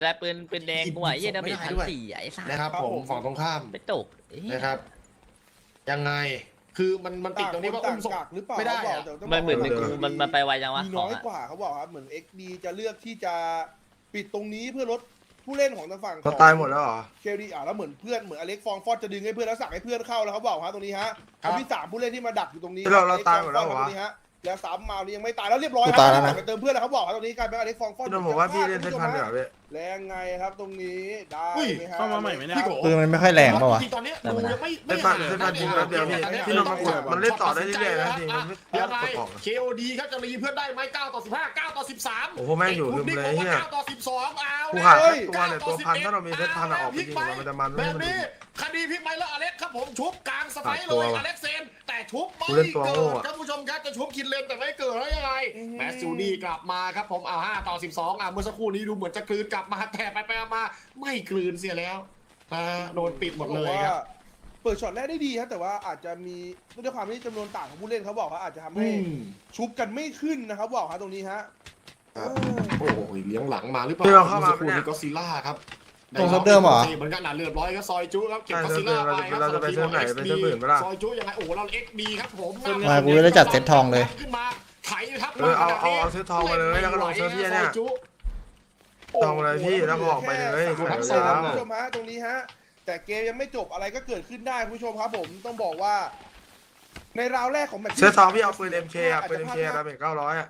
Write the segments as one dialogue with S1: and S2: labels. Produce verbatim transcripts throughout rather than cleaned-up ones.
S1: แต่ปืนปืนแดงกูอ่ะยี่ดาเมจพันสี่ไอ้สัส
S2: นะครับผมฝั่งตรงข้าม
S1: ไปตก
S2: นะครับยังไงคือมันมันติดตรงนี้ว่าอุ้มศพ
S3: หรือเปล่า
S2: ไม่ได้
S3: เขาบอก
S2: อะ
S3: แต่ต้อง
S1: มันเหมือน
S3: บกว่า
S1: มันมันไปไวจังวะ
S3: มี
S1: ข
S3: น้
S1: อง
S3: อย
S1: อะ
S3: กว่าเขาบอกครับเหมือน เอ็กซ์ ดี จะเลือกที่จะปิดตรงนี้เพื่อลดผู้เล่นของทางฝั่ง
S4: เขาตายหมดแล้วเหรอ
S3: เคลดีอ่ะแล้วเหมือนเพื่อนเหมือนอเล็กฟองฟอดจะดึงให้เพื่อนแล้วสั่งให้เพื่อนเข้าแล้วเขาบอกฮะตรงนี้ฮะ
S2: ครับ
S3: เขามีสามผู้เล่นที่มาดักอยู่ตรงนี้
S4: เราเรา
S3: อล็ก
S4: ตายหมดแล้วเหรอ
S3: ฟองฟอตรงนี้ฮะแล้วสามมานี่ยังไม่ตายแล้วเรียบร้อย
S5: กูตายแล้วนะ
S3: ไปเติมเพื่อนแล้วเขาบอกครับตรงนี้กลายเป็นอเล็กฟองฟอด
S4: พี่โดนบอกว่าพี่เล่นเซตพันเดี๋ยวพี่
S3: แรงไงครับตรงนี้ได้ไหมฮะ
S6: เข้ามาใหม่ไหมเนี่ย
S2: พี่โก
S5: ปืนมันไม่ค่อยแรงป่าวะ
S2: จริงๆตอนนี้ดูยังไม่
S4: เซตพันเซตพันจริงแป๊บเดียวพี่พี่โดนมากดมันเล่นต่อได้เรื่อยๆนะจริงมันไม่
S2: เดี๋ยวอะไร
S4: กดออก
S2: เค โอ ดี ครับจะรีเพื่อนได้ไหมเก้าต่อสิบห้า เก้าต่อสิบสาม
S4: โอ้โหแม่งอยู่ลืมเลยเฮีย
S2: เก้าต่อสิบสองเอา
S4: กูหาแค่ตัวเนี่ยตัวพันถ้าเรามีเซตพันอะออกไปยิงมันจะมัน
S2: แบ
S4: ไม่
S2: บ
S4: มัน
S2: นี้คดีพลิกไปแล้วอเล็กครับผมชุบกลางสไปร์เล
S4: ตัวย ว่ะ
S2: อเล็กเซนแต่ชุบไม่
S4: กูเล่นตัว
S2: เกิ
S4: โง่
S2: ด
S4: อะ
S2: ครับผู้ชมครับจะชุบคินเลนแต่ไม่เกิดแล้วยังไงแมสซูดีกลับมาครับผมเอาห้าต่อสิบสองอ่ะเมื่อสักครู่นี้ดูเหมือนจะกลืนกลับมาแต่ไปไปมาไม่กลืนเสียแล้วอ่าโดนปิดหมดเลยครับ
S3: เปิดช็อตแรกได้ดีครับแต่ว่าอาจจะมีด้วยความที่จำนวนต่างของผู้เล่นเขาบอกว่าอาจจะทำให้ชุบกันไม่ขึ้นนะครับบอกครับตรงนี้ฮะ
S2: ครับ โอ้โหเลี้ยงหลังมาหรือเปล่า
S4: พี่เราเข้ามา
S2: คุณ
S4: เนี่ย
S2: ก็ซิล่าครับ
S5: ตรงเซิร์ฟเดิมเหรอ
S2: เหมือนกันหนาเรียบร้อยก็ซอยจุครับเก็บ
S4: ใช่
S2: ก็ซิล่าไปครับ
S4: เราจะไปเซิร์ฟไหนไปเซิร์ฟอื่นปะล่ะ
S2: ซอยจุยังไงโอ้โหเราเอ็กดีครับผม
S5: มากูจะได้จัดเซ็ตทองเลย
S2: ขึ้นมาไถครับ
S4: เออเอาเอาเอาเซตทองมาเลยแล้วก็ลงเซิร์ฟพี่เนี่ย
S2: ซอจุ
S4: ทองเลยพี่แล้วก็ออกไปเลย
S3: คุณ
S4: ขาย
S3: ผู้ช
S4: ยาม ว
S3: ผู้ชมฮะตรงนี้ฮะแต่เกมยังไม่จบอะไรก็เกิดขึ้นได้คุณผู้ชมครับผมต้องบอกว่า ในราวแรกของแมตช์
S4: เซตทองพี่เอาปืน เอ็ม เค อ่ะปืน เอ็ม เค ดาเมจเก้าร้อยอ่ะ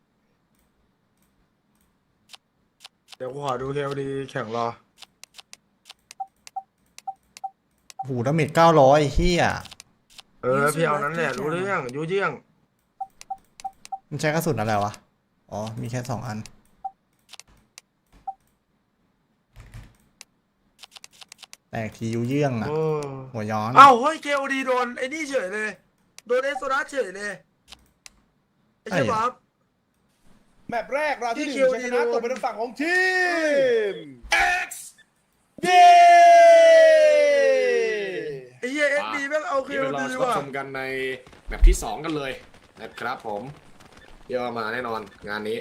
S4: เดี๋ยวกูขอดูเคลดีแข่งรอ
S5: หูดาเมจเก้าร้อยเฮีย
S4: เออพี่เอานั้นแหละรู้เรื่องยูเยี่ยง
S5: มันใช้กระสุนอะไรวะ อ๋อ มีแค่สองอัน แตกทียูเยื่องอ่ะ
S4: โอ้
S5: หัวย้อน
S4: เอ้าเฮ้ยเคลดีโดนไอ้นี่เฉยเลยโดนเอสโซดัสเฉยเลยไอ้เชี่ยบ๊อบ
S3: แมตช์แรกราวที่หนึ่ง
S4: ที่
S3: ชัยชนะ
S4: คิวดีโดน
S3: ตกเป็นทางฝั่งของทีม
S2: X
S3: เย้
S4: ไอ้เหี้ยเอ็กดีแม่งเอาเค
S2: เดี๋ยว
S4: ล
S2: เรา
S4: ดี
S2: รับ
S4: ว่ะ
S2: ชมกันในแบบที่สองกันเลยนะครับผมเดี๋ยวมาแน่นอนงานนี้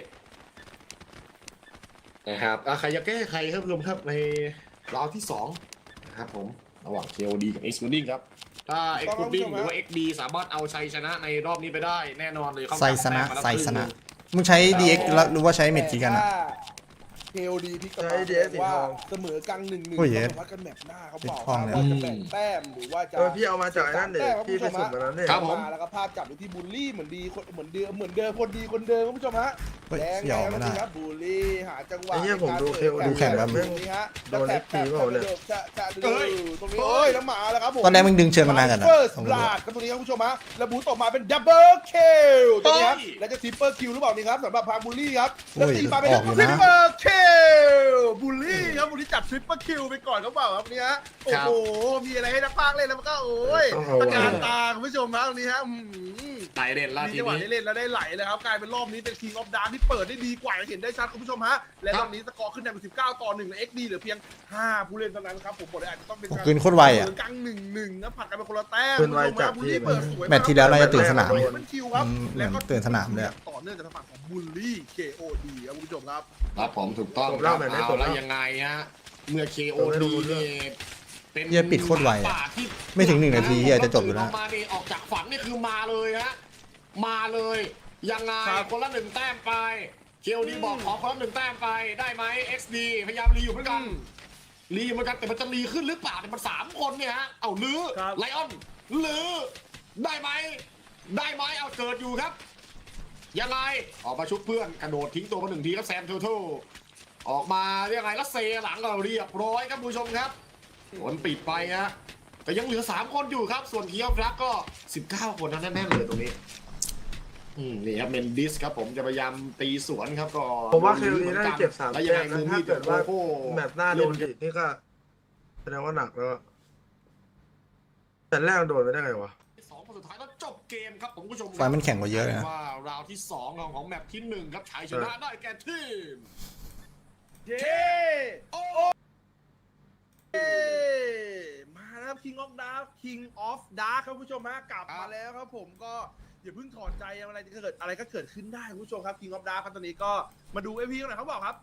S2: นะครับอ่ะใครจะแก้ใครครับรวมครับในราวที่สองนะครับผมระหว่าง เค โอ ดี กับ X Pudding ครับถ้า X Pudding หรือว่า เอ็กซ์ ดี สามารถเอาชัยชนะในรอบนี้ไปได้แน่นอนเลยเข้า
S5: ไซสนะ
S3: Dạ,
S5: ไซสนะ มึงใช้ ดี เอ็กซ์ แล้วหรือว่าใช้เมจิกันอ่ะ
S3: เคโอดีที่กำ
S4: ใช้
S3: ลัง
S4: ดีเอสสี
S3: ว่า
S4: ทอง
S3: เสมอกันหนึ่งหนึ่ง
S5: โอ้ยเย้
S3: วัดกันแมตช์หน้าเขาบอก
S5: สีทองเลย
S3: ว่าจะแบ่งแต้มหรือว่าจะ
S4: เออพี่เอามาจากไอ้นั่นเด็
S3: แต้ม
S4: พี่ไป
S3: คุณผู้ช
S4: สุ่ม
S3: ฮะ
S4: มาแล้วเนี่ย
S2: ครับผม
S3: มาแล้วก็ภาพจับอยู่ที่บูลลี่เหมือนดีคนเหมือนเดิมเหมือนเดิมคนดีคนเดิมคุณผู้ชมฮะ
S5: เฮ้ย
S3: แดง
S5: เสี่ยว
S3: ไง
S5: ไม่ได้
S3: ครับบูลลี่หาจังหวะ
S4: ไอ้เหี้ยผมดู
S3: ใน
S4: เค
S3: การ
S4: โอ
S3: ปิ
S5: ดูแข่งแบบ
S3: ตรงนี้ฮะ
S4: โดน
S3: แล้ว
S4: เอฟพีเปล่าเนี่ย
S3: จะจะ
S2: เอ้
S3: ดู
S2: ย
S3: ตรงนี้เอ้ยแล้วมาแล้วครับผม
S5: ตอนแรกมึงดึงเชิญมานานกันนะ
S3: เฟิร์ส
S5: ต้อง
S3: บ
S5: รู้
S3: ลาดครับตรงนี้ครับคุณผู้ชมฮะแล้วบูทออกมาเป็นดับเบิลคิลตรงนี้ครับ
S2: เฮ้ย
S3: แล้วจะทริปเปิลคิวหรือเปล่านี่ครับสำหรับพาบูลลี่ครับแล้ว
S5: โอ้ย
S3: ตีมาเป็น
S5: ออกอยู่
S3: ทริ
S5: นะ
S3: ปเปิลคิลบูลลี่ครับบูลลี่จัดทริปเปิลคิวไปก่อนครับเปล่าครับเนี่ยฮะโอ้โหมีอะไรให้นักพากย์เล่นแล้วมันก็โอ้ย
S4: โอ้โห
S3: ตะการตาคุณผู้ชมฮะตรงนี้ฮะอื้อหือ
S2: ไต่เด่นละ
S3: มี
S2: ที
S3: จังหวะ
S2: นี้
S3: ได้เล่นแล้วได้ไหลเลยครับกลายเป็นรอบนี้เป็น King of Dark ที่เปิดได้ดีกว่าอย่างเห็นได้ชัดคุณผู้ชมฮะและรอบนี้สกอร์ขึ้นนำเป็นสิบเก้าต่อหนึ่งและ เอ็กซ์ ดี เหลือเพียงห้าผู้เล่นเท่านั้นครับผมบอกเลยอาจจะต้องเป็นการ
S5: คืนโคตรไวอะ
S3: เสมกลางหนึ่งหนึ่งนะผัดกันเป็นคนละแต้ม
S4: คืนไวจัด
S3: บุลลี่เปิดสวย
S5: แมตช์ที่แล้วน่าจะตื่นสนาม
S3: มันคิวครับ
S5: อืมเหมือน
S3: แล้วก็
S5: ตื่นสนามเลยอะ
S3: ต่อเนื่องจากทางฝั่งของบุลลี่ เค โอ ดี ครับคุณผู้ชมครับ
S2: ครับผมถูกต้อง
S4: ผม
S2: ค
S4: เล่า
S2: รับ
S4: แบบนี้
S2: เอา
S4: ผม
S2: แล้ว
S4: เล่า
S2: ยังไงฮะเมื่อ เค โอ
S4: ผมไม่รู้
S2: ดี
S4: เรื่อง
S2: นี่เป็น
S5: เหี้ยปิดโคตรไวอะ
S2: ป่าที่
S5: ไม่ถึงหนึ่งนาทีเหี้ยจะจบอยู่แล้ว
S2: มานี่ออกจากฝันนี่คือมาเลยฮะมาเลยยังไง
S3: ครับ
S2: คนละหนึ่งแต้มไป เค โอ ดี บอกขอคนละหนึ่งแต้มไปได้ไหม เอ็กซ์ ดี พยายามรีอยู่เหมือนกันรีเหมือนกันแต่มันจะรีขึ้นหรือเปล่าเนี่ยมันสามคนเนี่ยฮะเอาลื้อ
S3: ครับ
S2: ไลออนลื้อได้ไหมได้ไหมเอาเกิดอยู่ครับ ยังไงออกมาชุบเพื่อนกระโดดทิ้งตัวมาหนึ่งทีครับแซมทูทูออกมายังไงแล้วเซหลังเราเรียบร้อยครับผู้ชมครับผลปิดไปฮะแต่ยังเหลือสามคนอยู่ครับส่วนเคียวฟลักก็สิบเก้าคนนั่นแน่ๆเลยตรงนี้อืมนี่ครับเมนดิสครับผมจะพยายามตีสวนครับก็
S4: ผมว่าเคลดีน่าจะเก็บสาม
S2: แล้ว
S4: แต้
S2: ยังไง
S4: ม
S2: มื
S4: นะ
S2: อ
S4: ถ้า
S2: มีด
S4: เกิดว่า
S2: โอ้โห
S4: แมตช์หน้าโดนดินี่ก็แสดงว่าหนักแล้วอะแต่แรกโดนไปได้ไงวะ
S2: สองคนสุดท้ายแล้วจบเกมครับผมผู้ชม
S5: ไฟมันแข็งกว่าเยอะเลยนะ
S2: ว่าราวที่สองของของแมปที่หนึ่งครับชัยชนะได้แก่ทีม
S3: เย้
S2: โอ้
S3: เย้มาแล้ว King of Dark King of Dark ครับคุณผู้ชมฮะกลับมาแล้วครับผมก็อย่าเพิ่งถอดใจอะไรจะเกิดอะไรก็เกิดขึ้นได้คุณผู้ชมครับ King of Dark ครับตอนนี้ก็มาดู เอ พี กันหน่อยเขาบอกครับ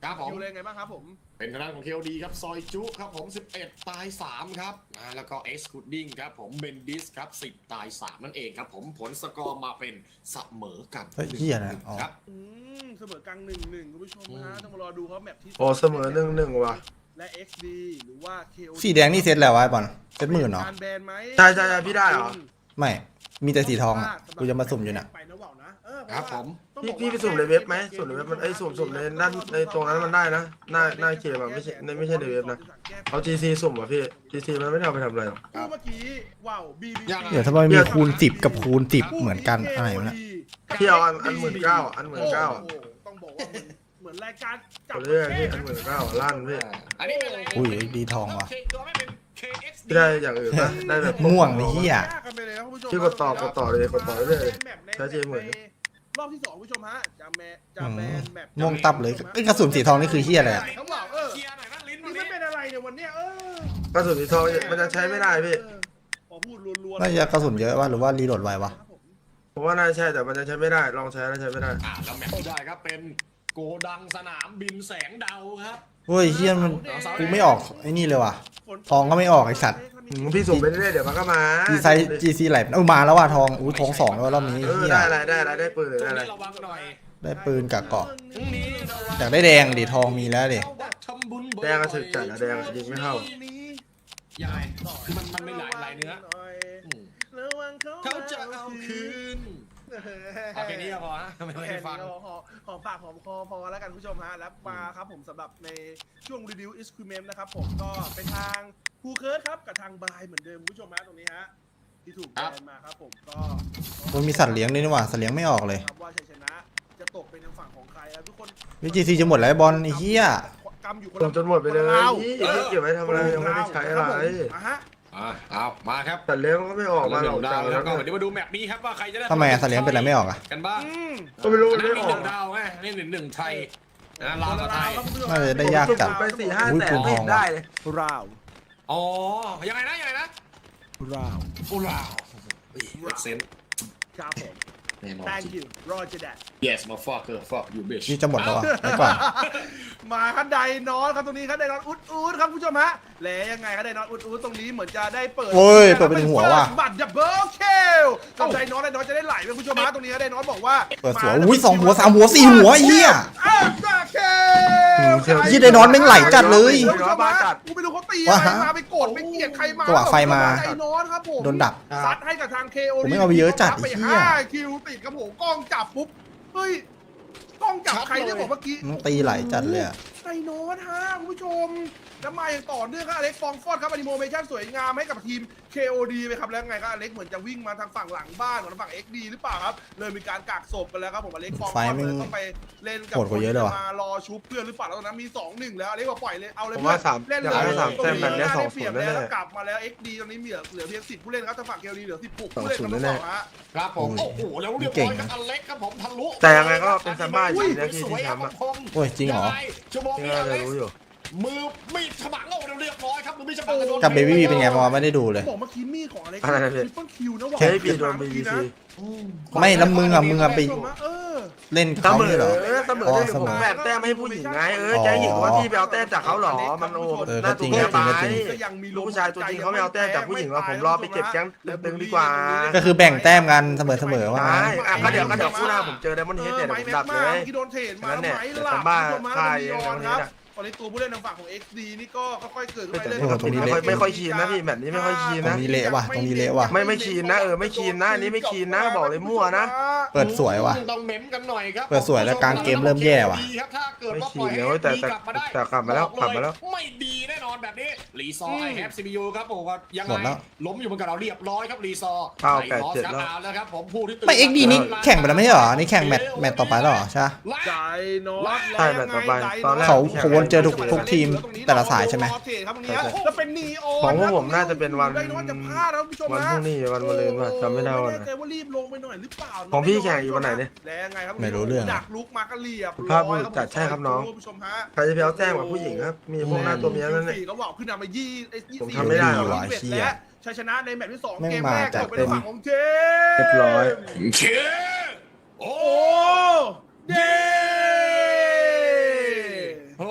S2: ครับผม
S3: คิวเลยไงบ้างครับผม
S2: เป็นทางด้านของเคลดีครับซอยจุครับผมสิบเอ็ดตายสามครับอ่าแล้วก็เอ็กซ์คูดดิ้งครับผมเบนดิสครับสิบตายสามนั่นเองครับผมผลสกอร์มาเป็นเสมอกัน
S5: เฮ้ยเหี้ยนะอ๋อ
S2: ครับ
S3: อืมเสมอกลางหนึ่งหนึ่งคุณผู้ชมฮะต้องมารอดูเขาแมปที่
S4: โอ้เสมอหนึ่งหนึ่งว่ะ
S3: และ เอ็กซ์ ดี หรือว่า เค โอ ดี
S5: สีแดงนี่เซตแล้ววะไอ้บอลเซตหมื่นเหรอ
S3: การแบนไหม
S4: ใช่ใช่ใช่พี่ได้เหรอ
S5: ไม่มีแต่สีทองอ่ะกูจะมาสุ่มอยู่น่ะ
S3: ไปนะว่าวนะเออเพ
S2: ครับ
S3: ราะว่า
S2: ผม
S3: ต้อง
S4: พี่
S3: บอก
S4: พี่
S3: ว่า
S4: ไปสุ่มในเว็บไหมสุ่มในเว็บมันไอ้ยสุ่มสุ่มในด้านในตรงนั้นมันได้นะหน้าหน้าเกมอะไม่ใช่ในไม่ใช่ในเว็บนะเอา จี ซี สุ่มอ่ะพี่ จี ซี มันไม่ได้เอาไปทำอะไรหรอก
S3: คู่เมื่อกี้ว้าวบีบี
S5: เดี๋ยวทำไมมีคูณสิบกับคูณสิบเหมือนกันอะไรวะเนี่ย
S4: พี่เอาอันอันหมื่นเก้าอันหมื่นเก้า
S3: โอ้โหต้องบอกว่าเหมือนเหมือนรายการจับ
S4: เรื่องพี่อันหมื่นเก้าลั่นพี่
S2: อันนี้เป็นอะไร
S5: อุ้ยดีทองว่ะ
S2: ตัวไม่เป็น เค เอ็กซ์ ดี
S4: พี่ได้อย่างอื่นนะได้แบบ
S5: ม่วงไอ้เหี้ย
S3: ยากกันไปเลยครับคุณผู้ชม
S4: พี่กดต่อกดต่อเลยกดต่อเรื่อย ใช้เจเหมือน
S3: รอบที่สองคุณผู้ชมฮะจะแมจะแบนแบบ
S5: ม่วงตับเลยไอ้ยกระสุนสีทองนี่คือเหี้ยอะไรอะ
S3: เขาบอกเออ
S2: เคลียร์หน่อยนะลิ้นวั
S3: นี่
S2: น
S3: ไม่
S2: นี้
S3: เป็นอะไรเนี่ยวันเนี้ยเออก
S4: ระสุนสีทองมันจะใช้ไม่ได้พี่
S3: เออพอพูดรัวๆ
S5: น่าจะกระสุนเยอะวะหรือว่ารีโหลดไววะ
S3: ครับผม
S4: ผมว่าน่าจะใช่แต่มันจะใช้ไม่ได้ลองใช้แล้วใช้ไม่ได้
S2: อ่าแล้วแมตช์ที่ได้ครับเป็นโกดังสนามบินแสงดาวครับ
S5: เฮ้ยเฮียมันกูไม่ออกไอ้นี่เลยว่ะ ทองก็ไม่ออกไอ้สัตว์
S4: อืมพี่สุ่มไปเรื่อยๆเดี๋ยวมันก็มา
S5: จีไซจีซีไหลเอามาแล้วว่ะทองอุ้ยทองสองแล้วรอบนี้
S4: เออ
S5: เฮีย
S4: ได้อะไรได้อะไรได้ปืนหรือ
S2: ช่ว
S4: ได้
S2: ง
S4: อะไร
S2: นี้ระวังหน่อย
S5: ได้ปืนกับเกาะ
S2: พรุ่งนี้ระวัง
S5: อยากได้แดงดิทองมีแล้วดิ
S2: ทำบุญบ่อยๆ
S4: แดงก็ถึกจัดอะแดงอะยิงไม่เข้า
S2: ยายคือมันมันไม่หลายหลายเนื้ออืม
S3: ระวังเขา
S2: เขาจะเอาคืนเอาแค่นี้ก็พอฮะไม่ต้อง
S3: แค่
S2: ให้ฟัง
S3: นี้ก็พอหอมปากหอมคอพอแล้วกันคุณผู้ชมฮะแล้วมาครับผมสำหรับในช่วงรีวิวอิสคิวเมมนะครับผมก็เป็นทางคูเคิร์ดครับกับทางบายเหมือนเดิมคุณผู้ชมฮะตรงนี้ฮะที่ถูกแบนมาครับผมก็
S5: มันมีสัตว์เลี้ยงด้วยนี่หว่าสัตว์เลี้ยงไม่ออกเลย
S3: ครับว่าชัยชนะจะตกเป็นทางฝั่งของใครครับทุกคน
S5: วิจีซีจะหมดแล้วไอ้บอลไอ้เหี้ย
S3: กำอยู่คน
S4: ส่
S3: ละ
S4: งจนหมดไปเลย
S3: คนละราว
S4: พี่พี่เก็บไว้ทำอะไรยังไม่ได้ใช้อะไร
S3: อ่ะฮะ
S2: อ่าเอามาครับ
S4: แต่เลี้ยงก็ไม่ออกมาหรอก
S2: ดา
S4: จั
S2: ว
S4: ง
S2: แล้
S4: แล้ว ว
S2: ก็
S4: ก็
S2: เดี๋ยวมาดูแมปนี้ครับว่าใครจะได้
S5: ทำไมอะสัตว์เลี้ยงเป็นอะไรไม่ออกอะ
S2: กันบ้าง
S3: อืม
S4: ก็ไม่รู้
S2: อัน
S4: ไม่
S2: นั้นมี
S4: อ
S2: ห
S4: อ
S2: นึ่
S4: ก
S2: งดาวไงนี่หนึ่งหนึ่งไทยนะลาวกับไทย
S5: น่าจะได้ยากจัด
S4: ไปสี่ห้า
S5: อุ้ย
S4: แส
S5: ปื
S4: น
S5: นท
S4: ไม่
S5: อง
S4: ได้
S5: ว่ะ
S4: เลย
S3: ราว
S2: อ๋อยังไงนะยังไงนะ
S3: ราว
S2: ฟูลาวเฮ้ยเอ็กเซน
S3: ครับผม
S2: แน่นอน
S3: thank you Roger that
S2: yes motherfucker fuck you bitch
S5: นี่จะหมดแล้วอ่ะไปก่อน
S3: มาคันไดนอนครับตรงนี้คันไดนอนอุดอุดครับคุณผู้ชมฮะแล้วยังไงคันไดนอนอุดอุดตรงนี้เหมือนจะได้เปิด
S5: โอ้ยเปิดไปถึงหัวว่ะ
S3: บัตรดับเบิลเคลกับไดนอนไดนอนจะได้ไหลไปคุณผู้ชมฮะตรงนี้ไดนอนบอกว่า
S5: เปิดสวยอุ้ยสองหัวสามหัวสี่หัวไอ้เหี้ย
S3: อ้าวจ้าเค
S5: ยี่ไดนอนแม่งไหลจัดเลย
S3: คุณผู้ชมฮะกูไม่รู้เขาตีอะไรมาไปโกรธไปเกลียดใครมา
S5: จังหวะไฟมา
S3: ไดนอนครับผม
S5: โดนดัก
S3: ซัดให้กับทาง เค โอ
S5: ผมไม่เอาไปเยอะจัด
S3: ไป
S5: ไอ้เหี้ย
S3: ห้าคิวติดครับผมกล้องจับปุ๊บเฮ้ยกล้องจับใครเนี่ยบอกเมื่อกี้
S5: มันตีไหลจัดเลยอะ
S3: ไดโนตฮะคุณผู้ชมแล้วมาอย่างต่อเนื่องครับอเล็กฟองฟอดครับอนิโมเมชั่นสวยงามให้กับทีม เค โอ ดี ไปครับแล้วไงครับอเล็กเหมือนจะวิ่งมาทางฝั่งหลังบ้านของทางฝั่ง เอ็กซ์ ดี หรือเปล่าครับเลยมีการกักศพกันแล้วครับผมอเล็กฟองฟ
S5: ไฟ
S3: อด
S5: แม่ง
S3: เลยต้องไปเล่นกับ
S5: โหดกว่าเยอะเลยว่ะ
S3: มารอชุบเพื่อนหรือเปล่าแล้วตอนนั้นมี สองหนึ่ง แล้วอเล็กบอกปล่อยเลยเอาเลย
S4: ผมว่าสาม
S3: เล่น
S4: อยาก
S3: เลย
S4: ให้สามแต้มแบบเนี้ยสองศูนย์
S3: แล้
S4: แน่
S3: วกลับมาแล้ว เอ็กซ์ ดี ตอนนี้เหลือเหลือเพียงสิบผู้เล่นครับทางฝั่ง เค โอ ดี เหลือสิบหก
S4: สอง
S3: ผู้เล่น
S4: ศูนย์
S3: ทั้ง
S4: แน่
S3: สองฮะ
S2: ครับผมโอ้โหแล้วเรียบร้อยครับอเล็กครับผมทะลุ
S4: แต่ยังไงก็เป็นซัมบ้าอยู่นะที่ที่แชมป์อะ
S5: โอ้ยจริงเหรอ
S2: ชั่วโมง
S4: ที่
S2: นี้
S4: น่า
S2: อ
S4: จะ
S2: เล็ก
S4: รู้อยู่
S2: มือมีดฉมังเอาเรียบร้อยครับมือมีดฉมัง
S5: กับเบบี้บีเป็นไงมาไม่ได้ดูเลย
S3: บอกเมื่อกี้มีดของอเล็ก
S4: อะไรนะพี่
S3: ทริปเปิลคิวนะว่ะ
S4: ใช้ปีโดนบีบีซี
S5: ไม่แล้วมึงอะมึงอะไป
S3: เออ
S5: เล่น
S4: เส
S5: เขา
S4: มอ
S5: เนี่ยเหรอ
S4: เออเสมอ
S5: อ๋อ
S4: ได้
S5: เสมอ
S4: ผมแบบแต้มให้ผู้หญิงไงเออจะให้หญิงว่าพี่ไปเอาแต้มจากเขาเหรอมันโอ้
S5: เออ
S4: น่า
S5: ก็จริ
S4: ตุ้
S5: ง
S4: งแค่
S5: ก็
S4: ไป
S5: จริง
S3: ก็ยังมี
S4: ลูกผู้ชายตัวจริงเขาไม่เอาแต้มจากผู้หญิงว่าผมรอไปเก็บแก๊งตึงๆดีกว่า
S5: ก็คือแบ่งแต้มกันเสมอเสมอๆว่า
S4: ใช่
S5: งั้น
S4: อ่ะก็เดี๋ยวก็เดี๋ยวคู่หน้าผมเจอไดมอนด์เฮดเนี่ยเดี๋ยวผมดับเลย
S3: ที่โดนเทรดมา
S4: นั่นเนี่ย
S3: ไหม
S4: เดี๋ยว
S3: ล่ะ
S4: ซัมบ้า
S3: คุณผู้ชมฮะ
S4: ฆ่า
S3: มี
S4: เอง
S3: ออน
S4: ในวันนี้
S3: ครับ
S4: นะ
S3: ตอนนี้ตัวผู้เล่นทางฝั่งของ เอ็กซ์ ดี นี่ก็ค่อยๆเกิดขึ้นไป
S4: แต่
S3: เรื่อย
S5: โอ้โหตรงนี้
S4: ไม่ค่อย
S5: เละ
S4: ไม่ค่อยคีนนะพี่แบบนี้ไม่ค่อยคีน
S5: ตร
S4: นะ
S5: งนี้เละว่ะตรงนี้เละว่ะ
S4: ไม่ไม่คีนนะเออไม่คีนนะอันนี้ไม่คีนนะบอกเลยมั่วนะ
S5: เปิดสวยว่ะ
S2: ต้องเม้มกันหน่อยครับ
S5: เปิดสวยแล้วกลางเกมเริ่มแย่ว่ะ
S2: ถ้าเกิด
S4: ไม่
S2: ว่า
S4: คี
S2: ปล่อน ย
S4: นะ
S2: ให้
S4: เว้ยแต่
S2: ดี
S4: แต่
S2: กลับมาได้
S4: แต่กลับมาแล้วกลับมาแล้ว
S2: ไม่ดีแน่นอนแบบนี้รีซอร์ไอแฮปซีบียูครับผมว่ายัง
S5: หมด
S2: ไง
S5: แล้ว
S2: ล้มอยู่บนกับเราเรียบร้อยครับรีซอร์
S4: เก้า
S2: ไท
S4: แปด
S2: มอส
S4: เจ็ด
S2: ครับ
S4: แล้ว
S2: เอาแล้วครับผมผู้ที่ตื่น
S5: ไม่เอ็กดีนี่แข่งไปแล้วไม่ใช่เหรอ นี่แข่งแมตช์แมตช์ต่อไปแล้วเหรอใช่ปะ
S3: ใจนอต
S4: ใช่แบบต่อไปตอนแรก
S5: เขาเขาวนเจอทุกทุกทีมแต่ละสายใช่ไหม
S3: ครับตรงนี้แล้วเป็นนีโอ
S4: ของพวกผมน่าจะเป็นวัน
S3: ไดโนตจะพลาดนะคุณผู้ชม
S4: วัน
S3: ฮะ
S4: พรุ่งนี้วันมะรืนว่ะจำไม่ได้วันไหน
S3: แน่ใจว่ารีบลงไปหน่อยหรือเปล่า
S4: ของพี่แข่งอยู่วันไหนเนี่ย
S3: แล้วยังไงครับ
S5: ไม่รู้เรื่อง
S3: ดักลุกมาก็เรียบ
S4: ภาพบุรุษจัดใช่ครับน้อง
S3: คุณผู้ชมฮะ
S4: ใครจะไปเอาแต้มกับผู้หญิงครับ มีพวกหน้าตัวเมียนั่นแหละ
S3: สี่เขาบอกขึ้นนำมายี่ไอ้ยี่
S4: ผม
S3: สี่
S4: ทำไม่ได้หรอก
S3: ยี่สิบเอ็ด
S5: เชี่ย
S3: และชัยชนะในแมตช์ที่สอง
S5: แม่ง
S3: เกมแรก
S5: มาจาก
S3: ตกเป็นฝั่งของเจมส์
S4: เรียบร้อย
S2: เชื่อโอ้
S3: โอ้เย้
S4: โ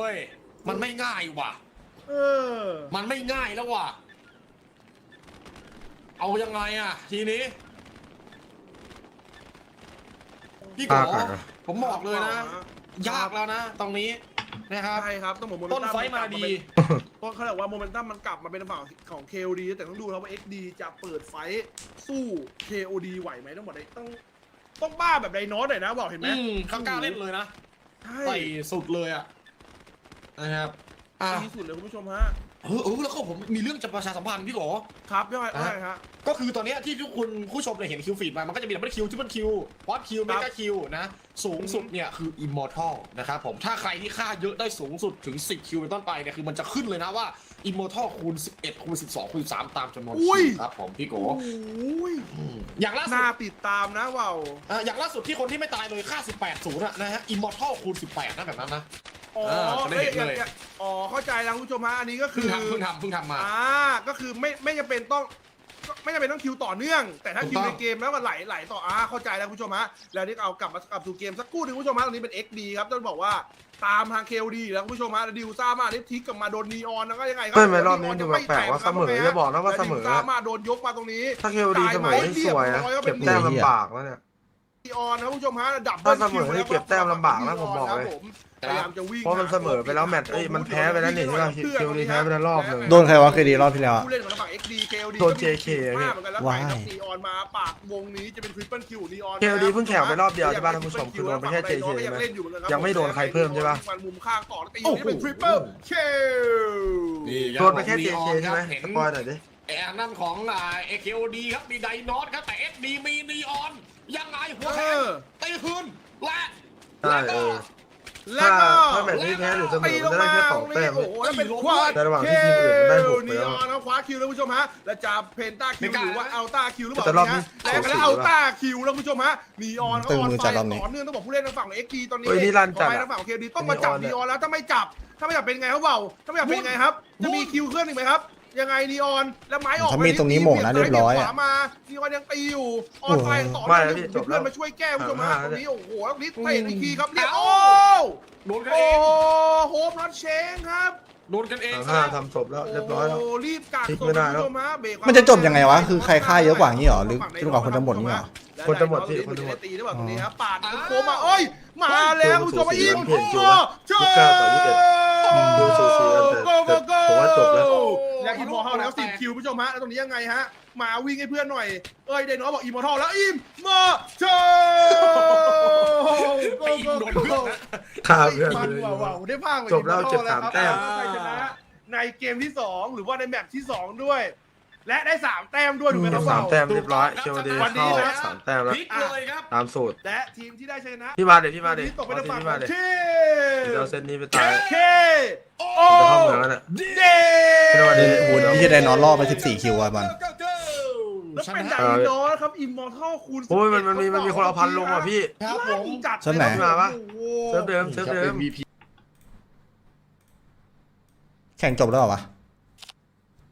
S2: มันไม่ง่ายว่ะ
S3: เออ
S2: มันไม่ง่ายแล้วว่ะ เอายังไงอ่ะ ทีนี้ พี่โก
S4: ยากอะ
S2: ผมบอกเลยนะ ยากแล้วนะ ตรงนี้นะครับ
S3: ใช่ครับต้องบอกโมเม
S2: ต้น
S3: ตัม
S2: ไฟมาดี
S3: เพราะเขาบอกว่าโมเมนตัมมันกลับมาเป็นฝั่งของ เค โอ ดี แต่ต้องดูครับว่า เอ็กซ์ ดี จะเปิดไฟท์สู้ เค โอ ดี ไหวไหมต้องบอกเลยต้องต้องบ้าแบบไดโนสหน่อยนะบอกเห็นไหม
S2: อืมเขากล้าเล่นเลยนะ
S3: ใช่
S2: ใส่สุดเลยอ่ะ นะครับ อ่ะ
S3: ดีสุดเลยคุณผู้ชมฮะ
S2: เออเออแล้วก็ผมมีเรื่องจะประชาสัมพันธ์พี่โก
S3: ครับยังไงว่าไงฮะ
S2: ก็คือตอนเนี้ยที่ทุกคนผู้ชมเนี่ยเห็นคิวฟีดมา มันก็จะมีดับเบิลคิวทริปเปิลคิวพอดคิวเมกาคิวนะ สูงสุดเนี่ยคืออิมมอร์ทัลนะครับผม ถ้าใครที่ฆ่าเยอะได้สูงสุดถึงสิบคิวเป็นต้นไปเนี่ยคือมันจะขึ้นเลยนะว่าอิมมอร์ทัลคูณสิบเอ็ดคูณสิบสองคูณสิบสามตามจำนวน
S3: อุ้
S2: คิ
S3: ย
S2: วครับผมพี่โก
S3: โอ้ย
S2: อืมอย่างล่าสุด
S3: น่าติดตามนะว่าว
S2: อ่ะอย่างล่าสุดที่คนที่ไม่ตายเลยค่าสิบแปดศูนย์อะนะฮะอิมมอร์ทัลคูณสิบแปดนะแบบนั้นนะ
S3: อ๋อ
S2: เออจะได้เห็นเลย
S3: อ้ยอ๋อเข้าใจแล้วคุณผู้ชมฮะอันนี้ก็คื
S2: เพิ่ง
S3: อ
S2: ทำเพิ่งทำเพิ่งทำมา
S3: อ่าก็คือไม่ไม่จำเป็นต้องไม่จำเป็นต้องคิวต่อเนื่อง แต่ถ้า
S2: ถูก
S3: คิว
S2: ต้อง
S3: ในเกมแล้วมันไหลไหลต่ออ่าเข้าใจแล้วคุณผู้ชมฮะแล้วนี่เอากลับมากลับสู่เกมสักครู่หนึงคุณผู้ชมฮะตรงนี้เป็น เอ็กซ์ ดี ครับต้องบอกว่าตามทาง เค โอ ดี แล้วคุณผู้ชมฮะแล้วดิวซ่ามาได้ทิกกลับมาโดนนีออนแล้วก็ยังไงครั
S4: ไม่ไม่รอบนี้ดูแปลกๆว่าเสมอจะบอกนะว่าเสมอ
S3: แล้วดิวซ่ามาโดนยกมาตรงนี้
S4: ถ้าเคโอดีเสมอนี่สวยนะเก็บแต้มลำบากแล้วเนี่ย
S3: นีออนนะคุณผู้ชมฮะดับ
S4: ถ้าเสมอนี่เก็บแต้มลำบากนะผมบอกเลย
S3: พยายามจะวิ่ง
S4: เพราะมันเสมอไปแล้วแมตช์เอ้ยมันแพ้ไปแล้วนี่ใช่ไหม KOD แพ้ไปแล้วรอบหนึ่ง
S5: โดนใครวะเคดีรอบที่แล้วอะ
S3: ผู้เล่นของฝั่ง เอ็กซ์ ดี เค โอ ดี
S4: โดน เจ เค
S3: มากเหมือนกันแล้ว
S5: ว้าย
S3: ไปครับนีออนมาปากวงนี้จะเป็นทริปเปิลคิวนีออน
S4: เค โอ ดี เพิ่งแข่งไปรอบเดียวใช่ป่ะท่านผู้ชมคือโดนไปแค่ เจ เค ใช่ไหมยังไม่โดนใครเพิ่มใช่ป่ะ
S3: มันมุมข้างต่อแล้วตีนี้เป็นทริปเปิลคิว
S4: โดนไปแค่ เจ เค ใช่ไหม
S2: เห็น
S4: สปอยหน่อยดิ
S2: ไอ้อันนั่นของอ่าเอเคโอดีครับมีไดโนอสครับแต่เอสดีมีนีออนยังไงหัวแขนตีคืนและ
S4: ใช่
S2: แล้วก็
S4: เออ
S3: แล้วก็
S4: ถ้าแมตช์นี้แพ้หรือเสมอ
S3: ตีล
S4: มัน
S3: ง
S4: จะได้
S3: มา
S4: แค่
S3: ต
S4: ส
S3: ร
S4: อง
S3: ง
S4: แต้
S3: นี้
S4: ม
S3: โอ้โหแล้วเป็นควาด
S4: ในระหว่างที่ทีมอื่นมันได้หกไป
S3: นี
S4: แล้ว
S3: ออนนะคว้าคิวแล้วคุณผู้ชมฮะแล้วจะเพนต้าคิวหรือว่าอัลต้าคิวหรือเปล่า
S4: แต่รอบนี้
S3: แล้วก็แล้วอัลต้าคิวแล้วคุณผู้ชมฮะนีออน
S5: ตึง
S3: ออน
S5: มือ
S3: ไฟ
S5: จัดรอบนี้
S3: ต่อเนื่องต้องบอกผู้เล่นทางฝั่งเอ็กซ์ดีตอนนี้
S4: เฮ้ยนี่ลั่นจัด
S3: ขอไปทางฝั่งของเคดีต้องมาจับนีออนแล้วถ้าไม่จับถ้าไม่จับเป็นไงครับเบาถ้าไม่จับเป็นไงครับจะมีคิวเคลื่อนอีกไหมครับยังไงนีออนแล้วไม้ออก
S5: ถ้ามีตรงนี้หม่งนะเรียบร้อยอะ
S3: ขวามานีออนยังตีอยู่ออนไฟต่อ
S4: ไม่
S3: เนื่อง
S4: พี่
S3: อยู่
S4: จบแล้ว
S3: เพื่อนมาช่วยแก้คุณผู้ชมฮะตรงนี้โอ้โหแล้วนิดเตะอีกทีครับเรียบ
S2: เอ้า
S3: โอ้
S2: โดนกัน
S3: โอ้
S2: เอง
S3: โฮมน็อตเชงครับ
S2: โดนกันเอง
S4: สาม
S2: ซะ
S4: ห้า
S2: แล้ว
S4: ทำจบแล้วเรียบร้อยแล้ว
S3: โอ้รีบกัก
S4: พลิก
S3: ส่ง
S4: ไม่ได้
S3: คุณ
S4: แล้ว
S3: ผู้ชมฮะเบรก
S5: มันจะจบยังไงวะคือใครฆ่าเยอะกว่างี้เหรอหรือจนกว่าคนจะหมดงี้เหรอ
S4: คนจะหมดพี่คนจะหมด
S3: ตีหรือเปล่าตรงนี้ครับปาดโค้งมาเอ้ยมาแล้วคุณผู้ชมมาอิม
S4: เพจอยู่นะยี่สิบเก้าต่อยี่สิบเอ็ด ดูสูสีกันแต่แต่ผมว่าจบแล้ว
S3: แล้วอิมมอร์ทัลแล้วสิบคิวคุณผู้ชมฮะแล้วตรงนี้ยังไงฮะมาวิ่งให้เพื่อนหน่อยเอ้ยเดนน้อยบอกอิมมอร์ทัลแล้วอิมมอร์ทัล
S2: ไปอินโดนเพื่อนนะ
S4: ข้ามเพื่อน
S3: มัน
S4: เลย
S3: ว้าวๆได้ภาค
S4: จบแล้วเจ็บสามแต้ม
S3: ใครชนะในเกมที่สองหรือว่าในแมตช์ที่สองด้วย และได้สามแต้มด้วยถูกไหมครับ
S4: สาม
S3: เบา
S4: แต้มเรียบร้อยเคโอดี
S3: วันนี้
S4: เข้า
S3: นะ
S4: สามแต้มแล้ว
S2: พลิกเลยครับ
S4: ตามสูตร
S3: และทีมที่ได้ชนะ
S4: พี่มาเดี๋ยวพี่มาเดี๋ยว
S3: ตกไป
S4: เอา
S3: ทาง
S4: ที
S3: ฝั่ง
S4: พี่
S3: ข
S4: มา
S3: อง
S4: เดี๋ยว
S3: ที
S4: เดี๋ยวเอาเซตนี้ไปตาย
S3: เคโอ
S4: จะเข้าเมืองแล้วเนี่ย
S3: เด
S4: เป็นวันนี้
S5: โอ้โหนี่จะได้นอนรอบไปสิบสี่คิวอะมัน
S3: แล้ว
S2: ช
S3: เป็น
S2: นะ
S3: ไดโนครับอิมมอร์ทัลคูณ
S4: โอ้ยมันมันมีมันมีคนเอาพันลงอ่ะพี่
S2: ครับผม
S3: จัด
S5: เซิร์ฟไหน
S3: เลยครับ
S4: โเซิร์ฟเดิมเซิร์ฟเดิม
S2: ครับ เอ็ม วี พี
S5: แข่งจบแล้วเหรอวะ